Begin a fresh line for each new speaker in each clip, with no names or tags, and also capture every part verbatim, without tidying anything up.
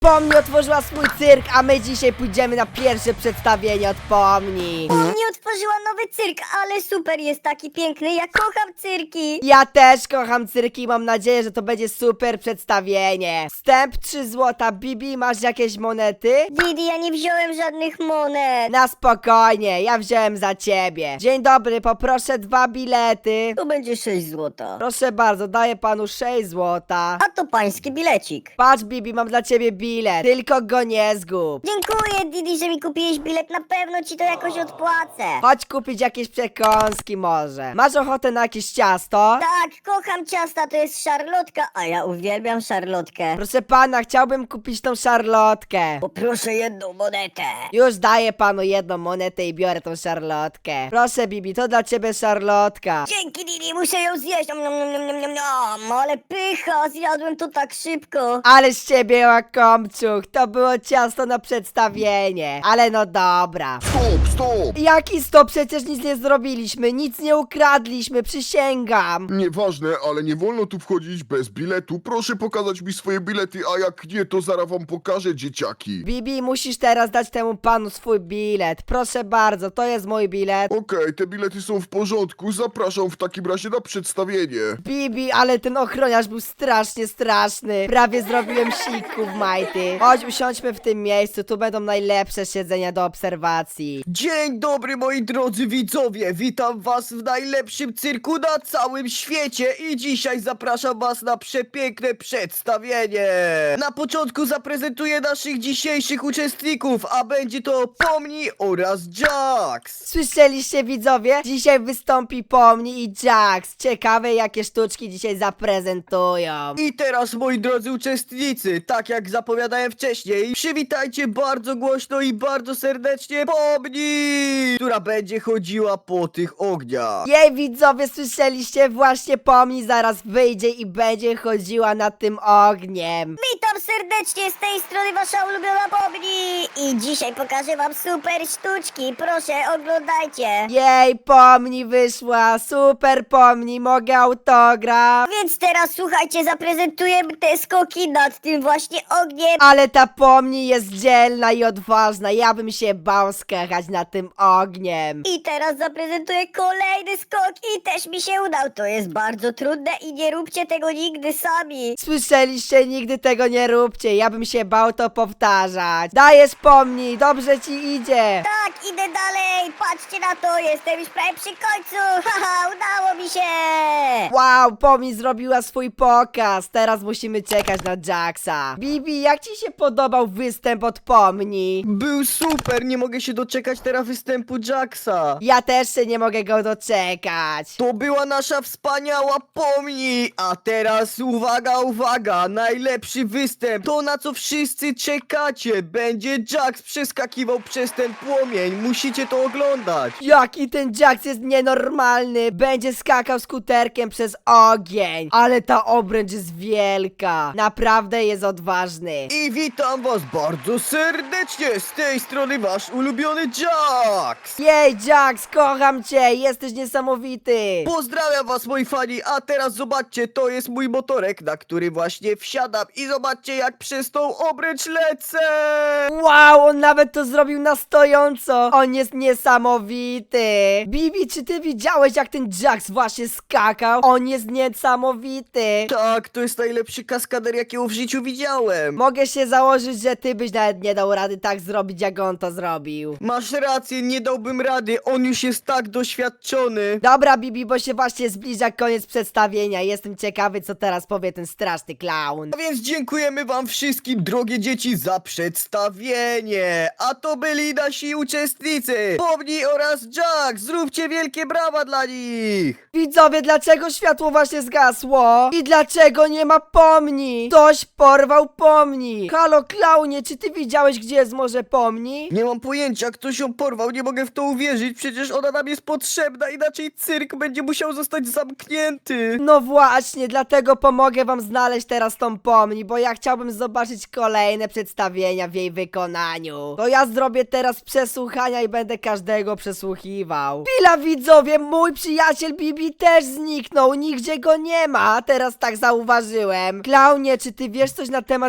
Pomni otworzyła swój cyrk, a my dzisiaj pójdziemy na pierwsze przedstawienie od Pomni.
Pomni otworzyła nowy cyrk, ale super, jest taki piękny, ja kocham cyrki.
Ja też kocham cyrki i mam nadzieję, że to będzie super przedstawienie. Wstęp trzy złota. Bibi, masz jakieś monety?
Didi, ja nie wziąłem żadnych monet.
Na spokojnie, ja wziąłem za ciebie. Dzień dobry, poproszę dwa bilety.
To będzie sześć złota.
Proszę bardzo, daję panu sześć złota.
A to pański bilecik.
Patrz, Bibi, mam dla ciebie bilet. Tylko go nie zgub.
Dziękuję, Didi, że mi kupiłeś bilet, na pewno ci to jakoś odpłacę.
Chodź kupić jakieś przekąski może. Masz ochotę na jakieś ciasto?
Tak, kocham ciasta, to jest szarlotka, a ja uwielbiam szarlotkę.
Proszę pana, chciałbym kupić tą szarlotkę.
Poproszę jedną monetę.
Już daję panu jedną monetę i biorę tą szarlotkę. Proszę, Bibi, to dla ciebie szarlotka.
Dzięki, Didi, muszę ją zjeść. Nom, nom, nom, nom, nom, nom. Ale pycha, zjadłem to tak szybko.
Ale z ciebie łakomczuch, to było ciasto na przedstawienie. Ale no dobra.
Stop, stop!
Jaki stop? Przecież nic nie zrobiliśmy, nic nie ukradliśmy, przysięgam.
Nieważne, ale nie wolno tu wchodzić bez biletu. Proszę pokazać mi swoje bilety, a jak nie, to zaraz wam pokażę, dzieciaki.
Bibi, musisz teraz dać temu panu swój bilet. Proszę bardzo, to jest mój bilet.
Okej, te bilety są w porządku. Zapraszam w takim razie na przedstawienie.
Bibi, ale ten ochroniarz był strasznie straszny. Prawie zrobiłem siku w majty. Chodź, usiądźmy w tym miejscu, tu będą najlepsze siedzenia do obserwacji.
Dzień dobry moi drodzy widzowie, witam was w najlepszym cyrku na całym świecie i dzisiaj zapraszam was na przepiękne przedstawienie. Na początku zaprezentuję naszych dzisiejszych uczestników, a będzie to Pomni oraz Jax.
Słyszeliście, widzowie? Dzisiaj wystąpi Pomni i Jax. Ciekawe, jakie sztuczki dzisiaj zaprezentują.
I teraz moi drodzy uczestnicy, tak jak zapowiadałem wcześniej, przywitajcie bardzo głośno i bardzo serdecznie Pomni, która będzie chodziła po tych ogniach.
Jej, widzowie, słyszeliście? Właśnie Pomni zaraz wyjdzie i będzie chodziła nad tym ogniem.
Witam serdecznie, z tej strony wasza ulubiona Pomni. I dzisiaj pokażę wam super sztuczki, proszę oglądajcie.
Jej, Pomni wyszła, super Pomni, mogę autograf.
Więc teraz słuchajcie, zaprezentujemy te skoki nad tym właśnie ogniem.
Ale ta Pomni jest dzielna i odważna, ja bym się bał skakać nad tym ogniem.
I teraz zaprezentuję kolejny skok i też mi się udał. To jest bardzo trudne i nie róbcie tego nigdy sami.
Słyszeliście? Nigdy tego nie róbcie, ja bym się bał to powtarzać. Dajesz, Pomni, dobrze ci idzie.
Tak, idę dalej, patrzcie na to, jestem już prawie przy końcu. Haha, udało mi się.
Wow, Pomni zrobiła swój pokaz, teraz musimy czekać na Jaxa. Bibi, jak ci się podobał występ od Pomni?
Był super, nie mogę się doczekać teraz występu Jaxa.
Ja też się nie mogę go doczekać.
To była nasza wspaniała Pomni! A teraz uwaga, uwaga! Najlepszy występ! To na co wszyscy czekacie! Będzie Jax przeskakiwał przez ten płomień! Musicie to oglądać!
Jaki ten Jax jest nienormalny! Będzie skakał skuterkiem przez ogień! Ale ta obręcz jest wielka! Naprawdę jest odważny!
I witam was bardzo serdecznie! Z tej strony wasz ulubiony Jax!
Jej, Jax, kocham cię! Jesteś niesamowity!
Pozdrawiam was moi fani, a teraz zobaczcie, to jest mój motorek, na który właśnie wsiadam i zobaczcie jak przez tą obręcz lecę!
Wow, on nawet to zrobił na stojąco! On jest niesamowity! Bibi, czy ty widziałeś, jak ten Jax właśnie skakał? On jest niesamowity!
Tak, to jest najlepszy kaskader jakiego w życiu widziałem!
Mogę się założyć, że ty byś nawet nie dał rady tak zrobić, jak on to zrobił.
Masz rację, nie dałbym rady, on już jest tak doświadczony.
Dobra, Bibi, bo się właśnie zbliża koniec przedstawienia. Jestem ciekawy, co teraz powie ten straszny klaun.
A więc dziękujemy wam wszystkim, drogie dzieci, za przedstawienie. A to byli nasi uczestnicy, Pomni oraz Jax. Zróbcie wielkie brawa dla nich.
Widzowie, dlaczego światło właśnie zgasło? I dlaczego nie ma Pomni? Ktoś porwał Pomni. Halo, klaunie, czy ty widziałeś, gdzie jest może Pomni?
Nie mam pojęcia, ktoś ją porwał, nie mogę w to uwierzyć, przecież ona nam jest potrzebna, inaczej cyrk będzie musiał zostać zamknięty.
No właśnie, dlatego pomogę wam znaleźć teraz tą Pomni, bo ja chciałbym zobaczyć kolejne przedstawienia w jej wykonaniu. To ja zrobię teraz przesłuchania i będę każdego przesłuchiwał. Chwila, widzowie, mój przyjaciel Bibi też zniknął, nigdzie go nie ma, teraz tak zauważyłem. Klaunie, czy ty wiesz coś na temat zaginięcia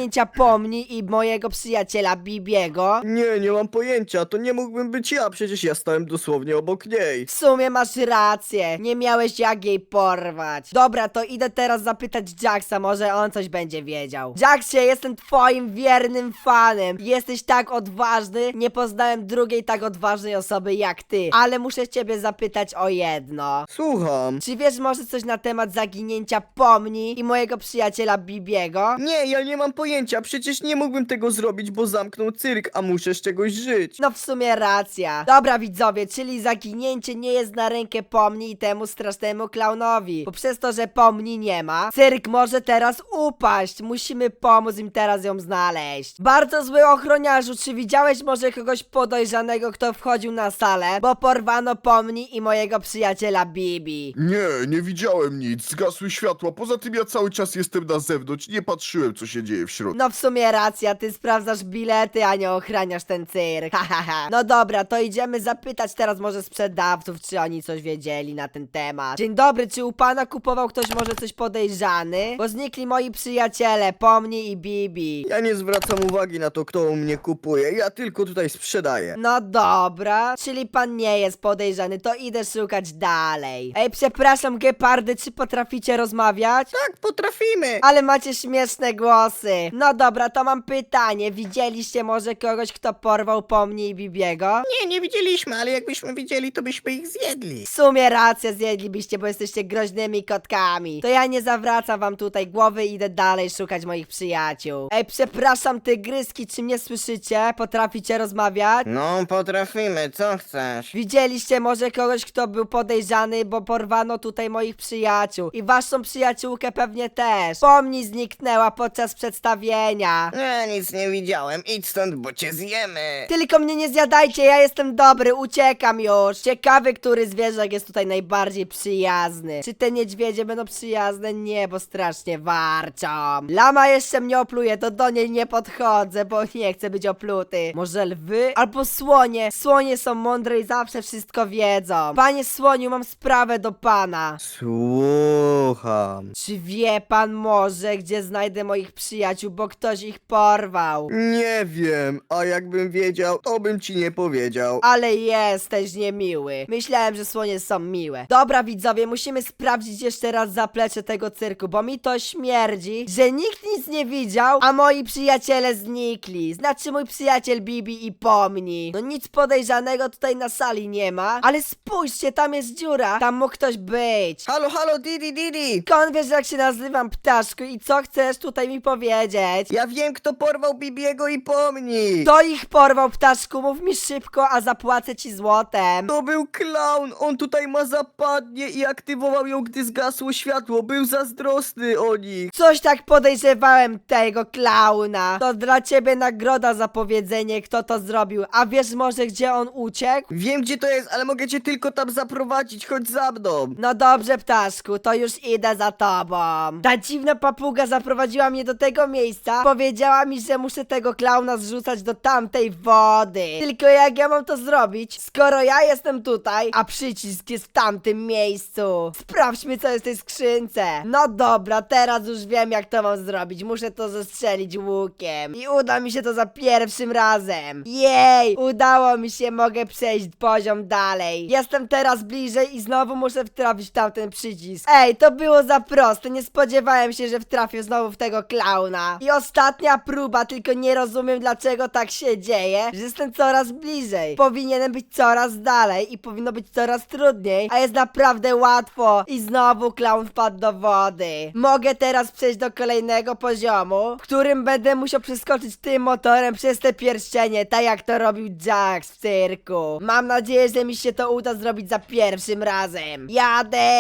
zaginięcia Pomni i mojego przyjaciela Bibiego?
Nie, nie mam pojęcia, to nie mógłbym być ja, przecież ja stałem dosłownie obok niej.
W sumie masz rację, nie miałeś jak jej porwać. Dobra, to idę teraz zapytać Jacksa, może on coś będzie wiedział. Jacksie, jestem twoim wiernym fanem. Jesteś tak odważny, nie poznałem drugiej tak odważnej osoby jak ty. Ale muszę ciebie zapytać o jedno.
Słucham.
Czy wiesz może coś na temat zaginięcia Pomni i mojego przyjaciela Bibiego?
Nie, ja nie mam pojęcia, przecież nie mógłbym tego zrobić, bo zamknął cyrk, a muszę z czegoś żyć.
No w sumie racja. Dobra widzowie, czyli zaginięcie nie jest na rękę Pomni i temu strasznemu klaunowi. Bo przez to, że Pomni nie ma, cyrk może teraz upaść. Musimy pomóc im teraz ją znaleźć. Bardzo zły ochroniarzu, czy widziałeś może kogoś podejrzanego, kto wchodził na salę? Bo porwano Pomni i mojego przyjaciela Bibi.
Nie, nie widziałem nic, zgasły światła, poza tym ja cały czas jestem na zewnątrz, nie patrzyłem co się dzieje w środku.
No w sumie racja, ty sprawdzasz bilety, a nie ochraniasz ten cyrk. Ha, ha, ha. No dobra, to idziemy zapytać teraz może sprzedawców, czy oni coś wiedzieli na ten temat. Dzień dobry, czy u pana kupował ktoś może coś podejrzany? Bo znikli moi przyjaciele, Pomni i Bibi.
Ja nie zwracam uwagi na to, kto u mnie kupuje, ja tylko tutaj sprzedaję.
No dobra, czyli pan nie jest podejrzany, to idę szukać dalej. Ej, przepraszam, gepardy, czy potraficie rozmawiać?
Tak, potrafimy.
Ale macie śmieszne głosy. No dobra, to mam pytanie. Widzieliście może kogoś, kto porwał Pomni i Bibiego?
Nie, nie widzieliśmy, ale jakbyśmy widzieli, to byśmy ich zjedli.
W sumie racja, zjedlibyście, bo jesteście groźnymi kotkami. To ja nie zawracam wam tutaj głowy i idę dalej szukać moich przyjaciół. Ej, przepraszam, tygryski, czy mnie słyszycie? Potraficie rozmawiać?
No, potrafimy, co chcesz?
Widzieliście może kogoś, kto był podejrzany, bo porwano tutaj moich przyjaciół. I waszą przyjaciółkę pewnie też. Pomni zniknęła podczas przedstawienia.
Ja nic nie widziałem, idź stąd, bo cię zjemy.
Tylko mnie nie zjadajcie, ja jestem dobry, uciekam już. Ciekawy, który zwierzak jest tutaj najbardziej przyjazny. Czy te niedźwiedzie będą przyjazne? Nie, bo strasznie warczą. Lama jeszcze mnie opluje, to do niej nie podchodzę, bo nie chcę być opluty. Może lwy? Albo słonie. Słonie są mądre i zawsze wszystko wiedzą. Panie słoniu, mam sprawę do pana.
Słucham.
Czy wie pan może, gdzie znajdę moich przyjaciół, bo ktoś ich porwał?
Nie wiem, a jakbym wiedział, to bym ci nie powiedział.
Ale jesteś niemiły. Myślałem, że słonie są miłe. Dobra widzowie, musimy sprawdzić jeszcze raz zaplecze tego cyrku, bo mi to śmierdzi, że nikt nic nie widział, a moi przyjaciele znikli. Znaczy mój przyjaciel Bibi i Pomni. No nic podejrzanego tutaj na sali nie ma, ale spójrzcie, tam jest dziura. Tam mógł ktoś być.
Halo, halo, Didi, Didi!
Skąd wiesz, jak się nazywam, ptaszku, i co chcesz tutaj mi powiedzieć?
Ja wiem, kto porwał Bibiego i Pomni!
Kto ich porwał, ptaszku? Mów mi szybko, a zapłacę ci złotem.
To był klaun! On tutaj ma zapadnie i aktywował ją, gdy zgasło światło. Był zazdrosny o nich.
Coś tak podejrzewałem tego klauna. To dla ciebie nagroda za powiedzenie, kto to zrobił. A wiesz może, gdzie on uciekł?
Wiem, gdzie to jest, ale mogę cię tylko tam zaprowadzić. Chodź za mną.
No dobrze, ptaszku, to już idę za tobą. Ta dziwna papuga zaprowadziła mnie do tego miejsca. Powiedziała mi, że muszę tego klauna zrzucać do tamtej wody. Tylko jak ja mam to zrobić, skoro ja jestem tutaj, a przycisk jest w tamtym miejscu? Sprawdźmy, co jest w tej skrzynce. No dobra, teraz już wiem, jak to mam zrobić. Muszę to zestrzelić łukiem. I uda mi się to za pierwszym razem. Jej, udało mi się, mogę przejść poziom dalej. Jestem teraz bliżej i znowu muszę wtrafić w tamten przycisk. Ej, to było za proste, nie spodziewałem się, że wtrafię znowu w tego klauna. I ostatnia próba, tylko nie rozumiem, dlaczego tak się dzieje, że jestem coraz bliżej. Powinienem być coraz dalej i powinno być coraz trudniej, a jest naprawdę łatwo. I znowu klaun wpadł do wody. Mogę teraz przejść do kolejnego poziomu, w którym będę musiał przeskoczyć tym motorem przez te pierścienie, tak jak to robił Jax w cyrku. Mam nadzieję, że mi się to uda zrobić za pierwszym razem. Jadę!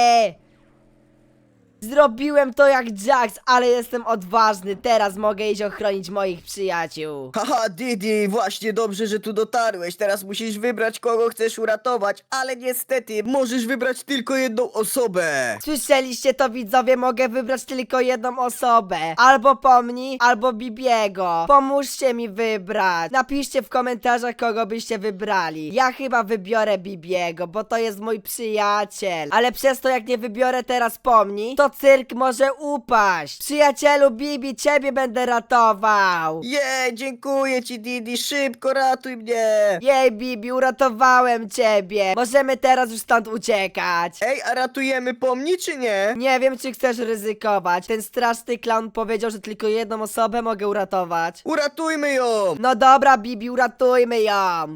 Zrobiłem to jak Jax, ale jestem odważny. Teraz mogę iść ochronić moich przyjaciół.
Haha, Didi, właśnie dobrze, że tu dotarłeś. Teraz musisz wybrać, kogo chcesz uratować, ale niestety możesz wybrać tylko jedną osobę.
Słyszeliście to, widzowie? Mogę wybrać tylko jedną osobę. Albo Pomni, albo Bibiego. Pomóżcie mi wybrać. Napiszcie w komentarzach, kogo byście wybrali. Ja chyba wybiorę Bibiego, bo to jest mój przyjaciel. Ale przez to, jak nie wybiorę teraz Pomni, to cyrk może upaść. Przyjacielu Bibi, ciebie będę ratował.
Jej, dziękuję ci, Didi, szybko ratuj mnie.
Jej, Bibi, uratowałem ciebie. Możemy teraz już stąd uciekać.
Ej, a ratujemy pomni, czy nie?
Nie wiem, czy chcesz ryzykować. Ten straszny klaun powiedział, że tylko jedną osobę mogę uratować.
Uratujmy ją.
No dobra, Bibi, uratujmy ją.